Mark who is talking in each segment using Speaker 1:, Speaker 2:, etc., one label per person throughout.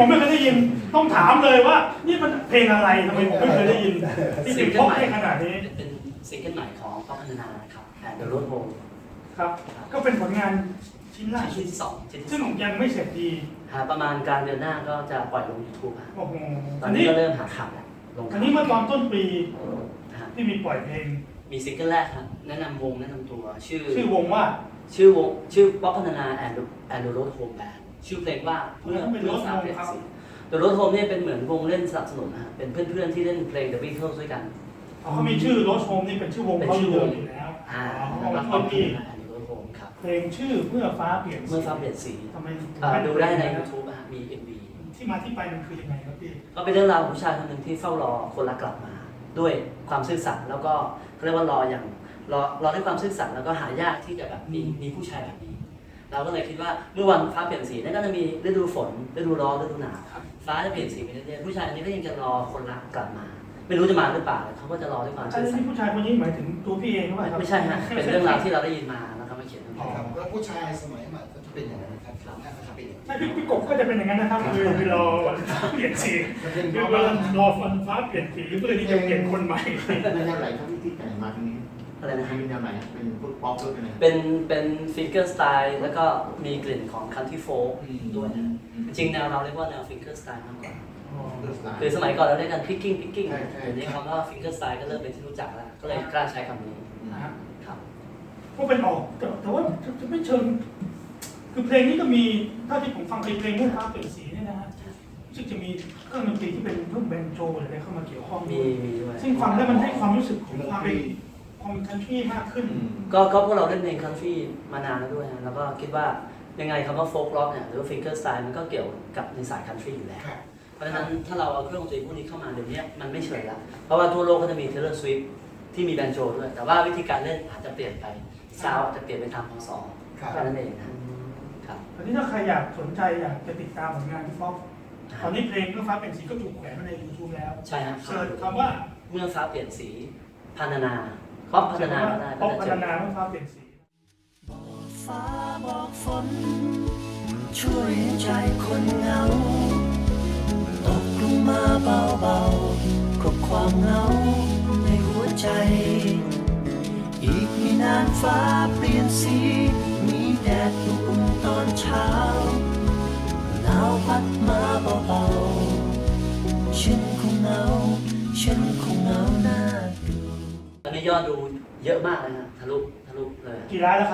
Speaker 1: ผมไม่เคยได้ยินต้องถามเลยว่านี่มันเพลงอะไรทำไมผมไม่เคยได้ยินที่ถึงพบได้ขนาดนี้
Speaker 2: เป็นซิงเกิลใหม่ของป๊อปพัฒนาครับแอนด์โรดโฮม
Speaker 1: ครับก็เป็นผลงานชิ้นล่าสุด
Speaker 2: ที่สอง
Speaker 1: ซึ่งยังไม่เสร็จดี
Speaker 2: ประมาณกลางเดือนหน้าก็จะปล่อยลง YouTube
Speaker 1: โอ้โห
Speaker 2: ตอนนี้ก็เริ่มหาข่าวแล้วลง
Speaker 1: อันนี้เมื่อตอนต้นปีที่มีปล่อยเพลง
Speaker 2: มีซิงเกิลแรกครับแนะนำวงแนะนำตัว
Speaker 1: ชื่อวงว่า
Speaker 2: ชื่อป๊อปพัฒนาแอนด์โรดโฮมแบนด์ชื่อเพลงว่าเมื่อฟ้าเปลี่ยนสีThe Road Home เนี่ยเป็นเหมือนวงเล่นสนับสนุนนะเป็นเพื่อนๆที่เล่นเพลง The Beatles ด้วยกัน
Speaker 1: เขามีชื่อ Road Home นี่เป็นชื่อวงเขาอยู่แล้ว
Speaker 2: แล้วก็เพลง Road Home ครับ
Speaker 1: เพลงชื่อเมื่อฟ้าเปลี่ยน
Speaker 2: สีทำไมดูได้ใน YouTube มี MV
Speaker 1: ที่มาที่ไปมันคือยังไงครับพี่
Speaker 2: ก็เป็นเรื่องราวของผู้ชายคนหนึ่งที่เฝ้ารอคนรักกลับมาด้วยความซื่อสัตย์แล้วก็เขาเรียกว่ารอด้วยความซื่อสัตย์แล้วก็หายากที่จะแบบมีผู้ชายแบบนี้เราก็เลยคิดว่าเมื่อวันฟ้าเปลี่ยนสีนั่นก็จะมีฤดูฝนฤดูร้อนฤดูหนาวฟ้าจะเปลี่ยนสีไปเรื่อยๆผู้ชายอันนี้ก็ยังจะรอคนรักกลับมาไม่รู้จะมาหรือเปล่าเขาก็จะรอด้วยความซื่อสัตย์
Speaker 1: ผู้ชายคนนี้หมายถึงตัวพี่เองหรือเปล่า
Speaker 2: ไม่ใช่ฮะเป็นเรื่องราวที่เราได้ยินมาแล้วก็มาเขียนทั้งหมด
Speaker 3: แล้วผู้ชายสมัยใหม่ก็จะเป็นอย่างนั้นครับ
Speaker 1: พี่กบก็จะเป็นอย่างนั้นนะครับคือรอเปลี่ยนสีคือรอฟันฟ้าเปลี่ยนสีเพื่อที่จะเปลี่ยนคนใหม่
Speaker 3: ในแนวไหนครับที่แต่งมาตรงนี้
Speaker 2: อะไรนะ
Speaker 3: เป็นแนวไหนเป็นพวกป๊อปด้วยนะ
Speaker 2: เป็นฟิงเกอร์สไตล์แล้วก็มีกลิ่นของคันทรีโฟล์ด้วยนะจริงแนวเราเรียกว่าแนวฟิงเกอร์สไตล์มากกว่าคือสมัยก่อนเราเรียกกันพิกกิ้งเดี๋ยวนี้คำว่าฟิงเกอร์สไตล์ก็เริ่มเป็นที่รู้จักแล้วก็เลยกล้าใช้คำนี้ครับ
Speaker 1: ก็เป็นออกแต่ว่าจะไม่เชิงคือเพลงนี้ก็มีถ้าที่ผมฟังเพลงเรื่องฟ้าเปลี่ยนสีเนี่ยนะฮะซึ่งจะมีเครื่องดนตรีที่เป็นเครื่องแบนโจอะไรเข้ามาเกี่ยวข้อง
Speaker 2: มี
Speaker 1: ซึ่งฟังแล้วมันให้ความรู้สึกของความเป็นคันทรีมากขึ้น
Speaker 2: ก็พวกเราเล่นเพลงคันทรีมานานแล้วด้วยนะแล้วก็คิดว่ายังไงคำว่าโฟล์กร็อกเนี่ยหรือว่าฟิงเกอร์สไตล์มันก็เกี่ยวกับในสายคันทรีอยู่แล้วเพราะฉะนั้นถ้าเราเอาเครื่องดนตรีพวกนี้เข้ามาเดี๋ยวนี้มันไม่เฉยละเพราะว่าทั่วโลกก็จะมีเทเลอร์สวิฟที่มีแบนโจด้วยแต่ว่าวิธีการเล่นอาจจะเปลี่ยนไปซาวอาจจะเปลี่ยนไปตามพศแค่นั้นเองนะครับ
Speaker 1: ตอนนี้ถ้าใครอยากสนใจอยากจะติดตามผลงานพี่ป๊อปตอนนี้เพลงเมื่อฟ้าเปลี่ยนสีก็ถูกแขวนมาใน YouTube แล้ว
Speaker 2: ใช่ครับ
Speaker 1: เสิร์ชคำว่า
Speaker 2: เมื่อฟ้าเปลี่ยนสีพัฒนาป๊อปพัฒนา
Speaker 1: ป๊อปพัฒนาเมื่อฟ้าเปลี่ยนสี
Speaker 4: บอกฟ้าบอกฝนช่วยให้ใจคนเหงาตกลงมาเบาๆกับความเหงาในหัวใจอีกไม่นานฟ้าเปลี่ยนสีมีแดดอุ่นตอนเช้าหนาวพัดมาเบาๆฉันคงเหงาหน้าดู
Speaker 2: ตอนนี้ยอดดูเยอะมากเลยนะทะลุเลย
Speaker 1: กี่ล้านแล้วครับ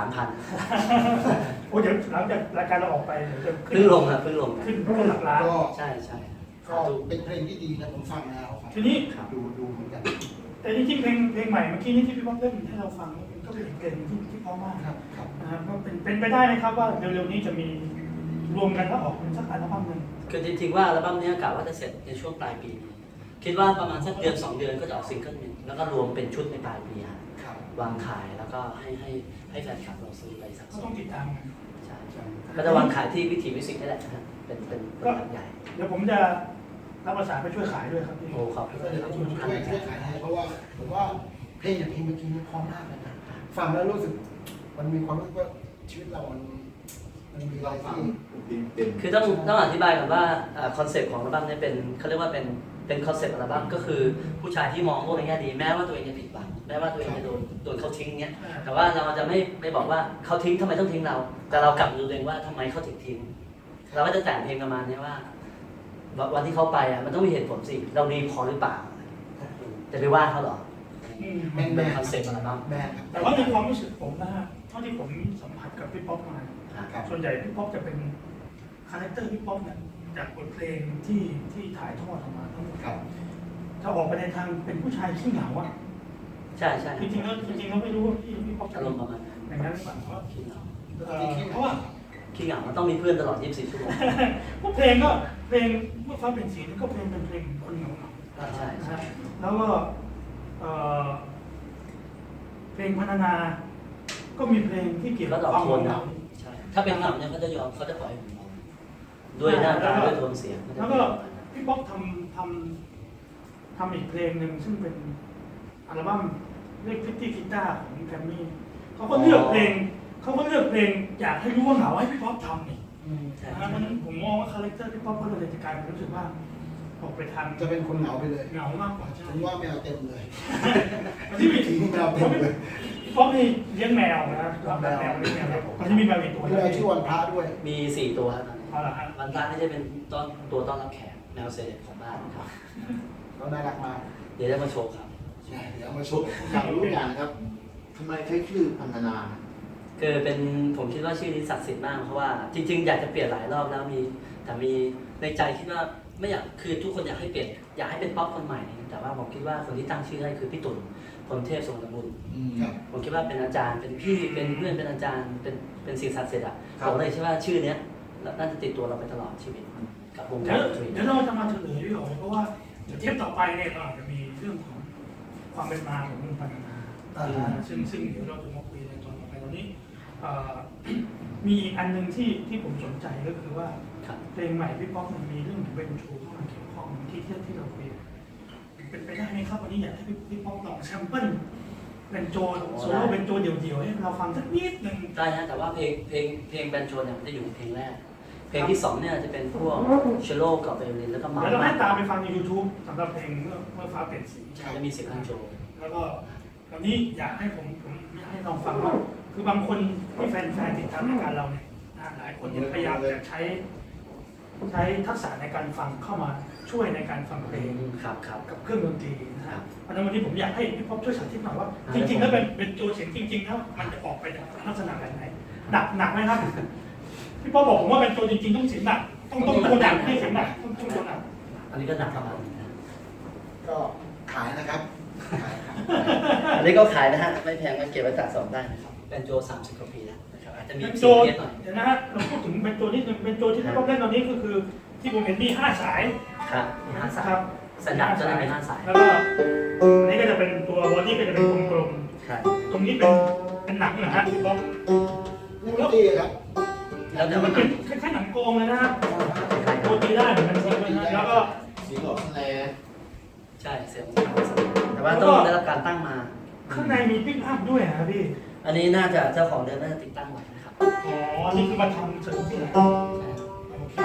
Speaker 2: 3,000
Speaker 1: โอ้เดี๋ยวหลังจากรายการเราออกไปเดี๋ยวจะ
Speaker 2: ขึ้นลง
Speaker 1: หลักล้าน
Speaker 2: ใช่
Speaker 3: ก็เป็นเพลงที่ดีนะผมฟังนะ
Speaker 1: ทีนี้
Speaker 3: ดูเหมือนกัน
Speaker 1: แต่จริงๆเพลงใหม่เมื่อกี้นี้ที่พี่ป๊อปเล่นให้เราฟังก็เป็นเพลงที่เพราะมากนะครับก็เป็นไปได้นะครับว่าเร็วๆนี้จะมีรวมกันแล้วออกเป็นสักอัลบั้มนึง
Speaker 2: คือจริงๆว่าอัลบั้มนี้กะว่าจะเสร็จในช่วงปลายปีนี้คิดว่าประมาณสักเดือน2 เดือนก็จะออกซิงเกิลนึงแล้วก็รวมเป็นชุดในปลายปีวางขายแล้วก็ให้แฟนคลับเราซื้อไปสัก
Speaker 1: ต้องติดตาม
Speaker 2: ใช่ก็จะวางขายที่วิถีมิวสิกนี่แหละเป็นแบบใหญ่
Speaker 1: เดี๋ยวผมจะรับประสานไปช่วยขายด้วยครับพี่
Speaker 2: โอ้ครับ
Speaker 3: ช่วยขายให้เพราะว่าผมว่าเพลงอย่างเพลงเมื่อกี้มันพร้อมมากเลยนะฟังแล้วรู้สึกมันมีความรู้สึกว่าชีวิตเรามันมีอะไรที่
Speaker 2: คือต้องอธิบายก่อนว่าคอนเซ็ปต์ของอัลบั้มนี้เป็นเขาเรียกว่าเป็นคอนเซ็ปต์อัลบั้มก็คือผู้ชายที่มองโลกในแง่ดีแม้ว่าตัวเองจะผิดหวังแม้ว่าตัวเองจะโดนเขาทิ้งเงี้ยแต่ว่าเราจะไม่บอกว่าเขาทิ้งทำไมต้องทิ้งเราแต่เรากลับดูเองว่าทำไมเขาถึงทิ้งเราก็จะแต่งเพลงประมาณนี้ว่าวันที่เขาไปมันต้องมีเหตุผลสิเราดีพอหรือเปล่าจะไปว่าเขาหรอเป็นคอนเซ็ปต์อัลบั้ม
Speaker 1: แต่ว่าในความรู้สึกผมนะฮะเท่าที่ผมสัมผัสกับพี่ป๊อปมาส่วนใหญ่พี่ป๊อปจะเป็นคาแรคเตอร์พี่ป๊อปเนี่ยจากบทเพลงที่ถ่ายทอดออกมาทั้งหมดจะออกไปในทางเป็นผู้ชายขี้เหงาอ่ะ
Speaker 2: ใช่
Speaker 1: จริงๆแล้วไม่รู้ว่าพี่ป๊อป
Speaker 2: อารมณ์ประมาณ
Speaker 1: อย่างนั้นหรือเปล่าเพราะ
Speaker 2: ขี้เหงา
Speaker 1: เพราะว่า
Speaker 2: ขี้เหงามันต้องมีเพื่อนตลอด24 ชั่วโมง
Speaker 1: พวกเพลงก็เพลงเมื่อฟ้าเป็นสีนี่ก็เป็นเพลงคนเหงา
Speaker 2: ใช่
Speaker 1: แล้วก็เพลงพัฒนาก็มีเพลงที่เกี่ยวกับความเหงา
Speaker 2: ถ้าเป็นเหงาเนี่ยเขาจะยอมเขาจะปล่อยผมด้วยหน้าตาด้วยโทนเสียง
Speaker 1: แล้วก็พี่ป๊อกทำอีกเพลงหนึ่งซึ่งเป็นอัลบั้มเรียกพิตตี้กีตาร์ของแกรมมี่เขาก็เลือกเพลงอยากให้รู้ว่าเหงาให้พี่ป๊อกทำนี่
Speaker 2: ใช่
Speaker 1: เพราะฉะนั้นผมมองว่าคาแรคเตอร์พี่ป๊อปก็เลยจะกลายเป็นรู้สึกว่าออกไปทาง
Speaker 3: จะเป็นคนเหงาไปเลย
Speaker 1: เหงามากกว่าใช่
Speaker 3: ผมว่าแมวเต็มเลย
Speaker 1: ที่มี
Speaker 3: ทิ้งแมวเต็มเลย
Speaker 1: พี่ป๊อปนี่เลี้ยงแมวนะรับแมวเลี้ยงแมวมันจะมีแมวอีกตัว
Speaker 3: มีอะไรชื่อวันพระด้วย
Speaker 2: มี4 ตัวครับ
Speaker 1: เอาละฮะ
Speaker 2: วันพระนี่จะเป็นตัวต้อนรับแขกแมวเซเลบของบ้านครับ
Speaker 3: เขาน่ารักมาก
Speaker 2: เดี๋ยวจะมาโชว์ครับ
Speaker 3: ใช่เดี๋ยวเอามาชม
Speaker 5: อยากรู้อย่างนะครับทำไมใช้ชื่อพันธนา
Speaker 2: คือเป็นผมคิดว่าชื่อนี้ศักดิ์สิทธิ์มากเพราะว่าจริงๆอยากจะเปลี่ยนหลายรอบแล้วแต่มีในใจคิดว่าไม่อยากคือทุกคนอยากให้เปลี่ยนอยากให้เป็นป๊อปคนใหม่แต่ว่าผมคิดว่าคนที่ตั้งชื่อให้คือพี่ตุ่นพลเทพทรงตระบุญ
Speaker 3: ครับ
Speaker 2: ผมคิดว่าเป็นอาจารย์เป็นพี่เป็นเพื่อนเป็นอาจารย์เป็นสิ่งศักดิ์สิทธิ์อ่ะผมเลยคิดว่าชื่อเนี้ยน่าจะติดตัวเราไปตลอดชีวิตกับวง
Speaker 1: เดี๋
Speaker 2: กา
Speaker 1: ยว
Speaker 2: รดนตรี
Speaker 1: เดี๋ยวเราจะมาเฉลยด้วยเพราะว่าเดี๋ยวเทปต่อไปเนี่ยเราอาจจะมีเรื่องของความเป็นมาของวงพัฒนาซึ่งเดี๋ยวเราจะมาคุยในตอนต่อไปตอนนี้มีอีกอันหนึ่งที่ผมสนใจก็คือว่า
Speaker 2: ครับ
Speaker 1: เพลงใหม่พี่ป๊อกมันมีเรื่องของเบนชูเข้ามาเกี่ยวข้องที่เราคุยเป็นไปได้ไหมครับวันนี้อยากให้พี่ป๊อกลองแซมเปิลเป็นโจโซโล่เป็นโจเดี่ยวๆให้เราฟังสักนิดหนึ่ง
Speaker 2: ได้นะแต่ว่าเพลงแบนโจเนี่ยมันจะอยู่เพลงแรกเพลงที่2เนี่ยจะเป็นพวกเชลโลกับไวโอลินแล้วก็มา
Speaker 1: เดี๋ยวเราให้ตามไปฟังใน YouTube สำหรับเพลงเมื่อฟ้าเปลี่ยนสี
Speaker 2: จะมีเสียงแบนโจ
Speaker 1: แล้วก็ตอนนี้อยากให้ผมให้ลองฟังว่าคือบางคนที่แฟนๆติดตามรายการเราเนี่ยหลายคนพยายามจะใช้ทักษะในการฟังเข้ามาช่วยในการฟังเพลง
Speaker 2: ครับครับ
Speaker 1: กับเครื่องดนตรีนะฮะเพราะฉะนั้นวันนี้ผมอยากให้พี่ป๊อปช่วยสาธิตหน่อยว่าจริงๆแล้วเป็นโจเสียงจริงๆแล้วมันจะออกไปในลักษณะแบบไหนหนักไหมครับพี่ป๊อปบอกผมว่าเป็นโจจริงๆต้องเสียงหนักต้องตัวหนักให้เสียงหนักต้องตัวหนัก
Speaker 2: อันนี้ก็หนักประมาณนึงนะ
Speaker 3: ก็ขายนะครับขายครับ
Speaker 2: อันนี้ก็ขายนะฮะไม่แพงมันเก็บไว้สะสมได้นะครับแบนโจ30 กว่าปีแล้วนะครับอาจจะมี
Speaker 1: เป็น
Speaker 2: เสี
Speaker 1: โจ
Speaker 2: ยงเพี้ยนหน่อย
Speaker 1: เดี๋ยวนะฮะเราพูดถึงเป็นโจนิดนึงเป็นโจที่พี่ป๊อปเล่นตอนนี้ก็คือที่ผมเห็นมี5 สาย
Speaker 2: ครับมี5 สาย
Speaker 1: ครับ
Speaker 2: สัญญาณจะได้เป็น5 สาย
Speaker 1: แล้วก็อันนี้ก็จะเป็นตัวบอดี้ก็จะเป็นกลม
Speaker 2: ครับ
Speaker 1: ๆตรงนี้เป็นหนังนะฮะพี่ป๊อป
Speaker 3: นี่ไม่ตีครับ
Speaker 2: แล้วแต่
Speaker 1: มั
Speaker 2: มัน น
Speaker 1: เป็นคล้ายๆหนังโกงเลยนะฮะโรตีได้เหมือนกันจริงๆนะแล้วก็
Speaker 5: เสียงออกแสล
Speaker 2: ใช่เสียงแต่ว่าต้องได้รับการตั้งมา
Speaker 1: ข้างในมีปิ๊กอัพด้วยนะพี่
Speaker 2: อันนี้น่าจะเจ้าของเดิมน่าจะติดตั้งไว้นะครับ
Speaker 1: อ๋อ นี่คือมาทำเสริมที่ไหน
Speaker 2: ใช่
Speaker 1: โอเค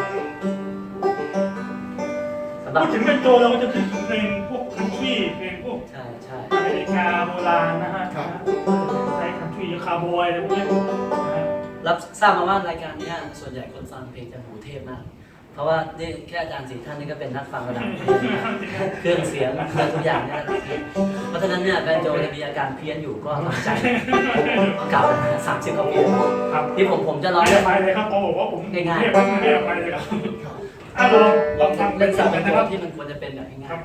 Speaker 2: สำหรับ
Speaker 1: พูดถึงเป็นโจเราก็จะคิดถึงเพลงพวกคันทรีเพลงพวก
Speaker 2: ใช่ใช่
Speaker 1: อเมริกาโบราณนะฮะใช้คันทรีคาร์บอยอะไรพวกนี้นะฮะ
Speaker 2: รับทราบมาว่ารายการเนี้ยส่วนใหญ่คนฟังเพลงจะหูเทพมาก เพราะว่านี่แค่อาจารย์4 ท่านนี่ก็เป็นนักฟังระดับเครื่องเสียงเครื่องทุกอย่างเนี่ยเพราะฉะนั้นเนี่ยแบนโจจะมีอาการเพี้ยนอยู่ก็ทำใจเก่า30 กว่าปี
Speaker 1: ครับ
Speaker 2: ที่ผมจะร้อง
Speaker 1: ไม่
Speaker 2: เล่น
Speaker 1: ไปเลยครับเขาบอกว่าผม
Speaker 2: ง่ายๆ
Speaker 1: เรียบไปเลยครับลองทำเป็
Speaker 2: เล่
Speaker 1: น
Speaker 2: น
Speaker 1: สั
Speaker 2: สั
Speaker 1: บบ
Speaker 2: เป็
Speaker 1: กัน น
Speaker 2: ตั
Speaker 1: นะ
Speaker 2: ว
Speaker 1: ครับ
Speaker 2: ที่มันควรจะเป็นแบบง่ายๆครับ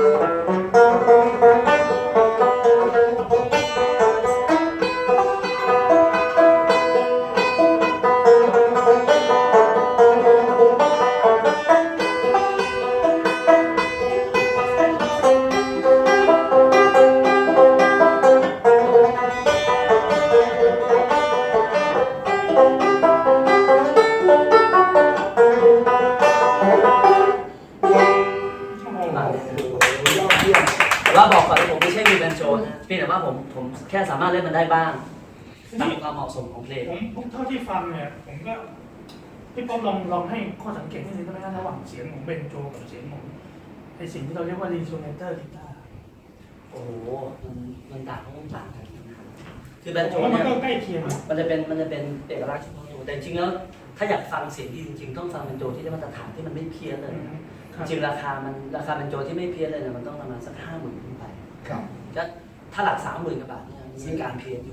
Speaker 3: ยอดเยี่ยม
Speaker 2: แต่ว่าบอกก่อนว่าผมไม่ใช่มือแบนโจนะเพียงแต่ว่าผมแค่สามารถเล่นมันได้บ้างตามความเหมาะสมของเพลง
Speaker 1: ผมเท่าที่ฟังเนี่ยผมก็พี่ป๊อปลองให้ข้อสังเกตนิดนึงได้ไหมระหว่างเสียงของเบนโจกับเสียงของไอสิ่งที่เราเรียกว่ารีโซเนเตอร์กีตาร์
Speaker 2: โอ้โหมันต่างกันนะครับคือแบนโจ
Speaker 1: ผมว่ามัน
Speaker 2: เนี่ย
Speaker 1: ก็ใกล้เคียง
Speaker 2: มันจะเป็นเอกลักษณ์เฉพาะตัวแต่จริงๆแล้วถ้าอยากฟังเสียงดีจริงๆต้องฟังเป็นโจที่ได้มาตรฐานที่มันไม่เพี้ยนเลยนะจริงๆราคาเป็นโจที่ไม่เพี้ยนเลยเนี่ยมันต้องประมาณสัก50,000ขึ้นไป
Speaker 3: ครับ
Speaker 2: ก็ถ้าหลัก30,000 กว่าบาทเนี่ยมีการเพี้ยนอยู่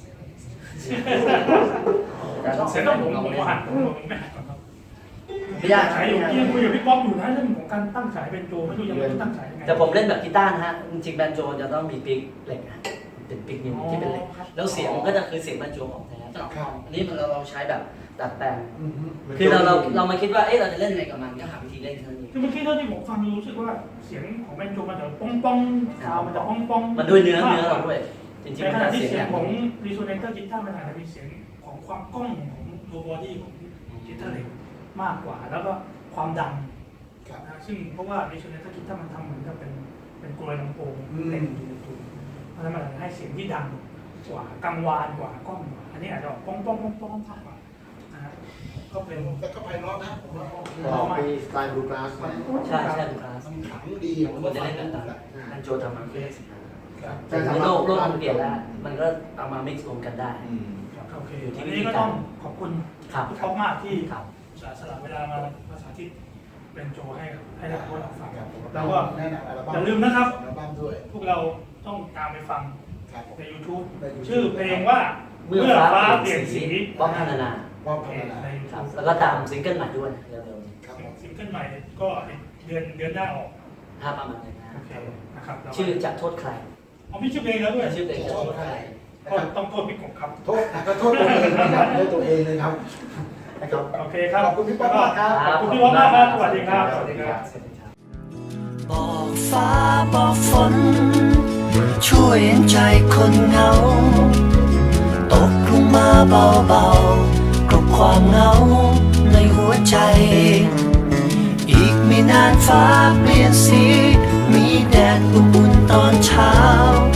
Speaker 2: แต่ต้อง
Speaker 1: เสียงต้องผมหันผมไม่หันก่อนครับ
Speaker 2: ไม่ยาก
Speaker 1: สายอยู่ที่ยังคุยกับพี่ป๊อปอยู่นะเรื่องของการตั้งสายเป็นโจไม่รู้ยังไม่รู้ตั้งสายยังไง
Speaker 2: แต่ผมเล่นแบบกีตาร์นะฮะจริงๆแบนโจจะต้องมีปิกเหล็กนะเป็นปิกนิ้วที่เป็นเหล็กแล้วเสียงมันก็จะคือเสียงแบนโจของแท้อันนี้เราใช้แบบดัดแปลง คือเรามาคิดว่าเอ๊ะเราจะเล่นยังไงกับมันก็หาวิธีเล่นเท่านั้นเอง
Speaker 1: คือเมื่อกี้เท่าที่ผมฟังรู้สึกว่าเสียงของเบนโจมันจะป้องป้องซาวมันจะป้องป้อง
Speaker 2: มันด้วยเนื้อเราด้วยจริง
Speaker 1: ใน
Speaker 2: ๆ
Speaker 1: ข
Speaker 2: มัน
Speaker 1: ณะ
Speaker 2: จะ
Speaker 1: ที่
Speaker 2: เสียง
Speaker 1: เสีย
Speaker 2: อง ย่าง
Speaker 1: ของ
Speaker 2: นี้
Speaker 1: รีโซเนเตอร์กีตาร์มันอาจจะมีเสียงของความก้องของตัวบอดี้ของกีตาร์เหล็กมากกว่า แล้วก็ความดังนะซึ่งเพราะว่ารีโซเนเตอร์กีตาร์มันทำเหมือนกับเป็นกลวยลำโพงเล่นอยู่ในตัวเพราะฉะนั้นมันให้เสียงที่ดังกว่ากังวานกว่าก้องกว่าอันนี้อาจจะป้องป้องป้องป้องมากกว่านะฮะก็เป็น
Speaker 3: แต่ก็ไพเราะนะผมว่าโอเค
Speaker 5: ต่อไปสไตล์บลูกราส
Speaker 3: มัน
Speaker 2: ใช่ใช่ดูคลาส
Speaker 3: มันขังดีอะผม
Speaker 2: ควร
Speaker 3: ว่า
Speaker 2: จะ
Speaker 3: ฟั
Speaker 2: เล่
Speaker 3: ง
Speaker 2: นแบบ
Speaker 3: ดู
Speaker 2: นั้น
Speaker 3: อะ
Speaker 2: อันโจทำมาคือ
Speaker 3: ครับ
Speaker 2: แต่โลกมันเปลี่ยนแล้ว มันก็เอามา mix รวมกันได้
Speaker 1: โอเค
Speaker 2: อยู่ที่
Speaker 1: วัน
Speaker 2: วิธี
Speaker 1: นี้ก็
Speaker 2: การ
Speaker 1: ต้องขอบคุณ
Speaker 2: ครับ
Speaker 1: พี่ป๊อปมากที่
Speaker 2: ครับ
Speaker 1: สละเวลามาสาธิตเป็นโจให้เราพวกเราฟัง
Speaker 3: ครับผม
Speaker 1: แล้วก็
Speaker 3: แนะนำอัลบั้ม
Speaker 1: อย่าลืมนะครับ
Speaker 3: อัลบั้มด้วย
Speaker 1: พวกเราต้องตามไปฟัง
Speaker 3: ครับผม
Speaker 1: ใน YouTube
Speaker 3: ใน YouTube
Speaker 1: ชื่อเพลงว่า
Speaker 2: เมื่อฟ้าเปลี่ยนสีป๊อปพัฒนา
Speaker 3: ว่า
Speaker 1: โอ
Speaker 3: พั
Speaker 1: เค
Speaker 3: ฒนา
Speaker 1: ใน
Speaker 2: ครับ
Speaker 1: YouTube
Speaker 2: แล้วก็ตามซิงเกิลใหม่ด้วยเร็ว
Speaker 3: ครับผม
Speaker 1: ซิงเกิลใหม่ก็เดือนหน้าออก
Speaker 2: ๆถ้าประมาณนั้นนะ
Speaker 1: โอเคนะครับแล้วก็
Speaker 2: ชื่อจะโทษใคร
Speaker 1: เอามีชื่อเพลงแล้วด้วย
Speaker 2: ชื่อเพลงจะโทษใคร
Speaker 3: นะครับ
Speaker 1: ต้องโทษพี่กบครับ
Speaker 3: โทษก็โทษตัวเองนะครับโทษตัวเองเลยครับนะครับ
Speaker 1: โอเคครับ
Speaker 3: ขอบคุณพี่ป๊อปมากครับ
Speaker 1: ขอบคุณพี่ป๊อปมากครับสวัสดีครับสวัสดีครับ
Speaker 2: สวัสดีครับ
Speaker 4: บอกฟ้าบอกฝน ช่วยเห็นใจคนเหงา ตกลงมาเบาๆกับความเหงาในหัวใจ อีกไม่นานฟ้าเปลี่ยนสี มีแดดอุ่นๆตอนเช้า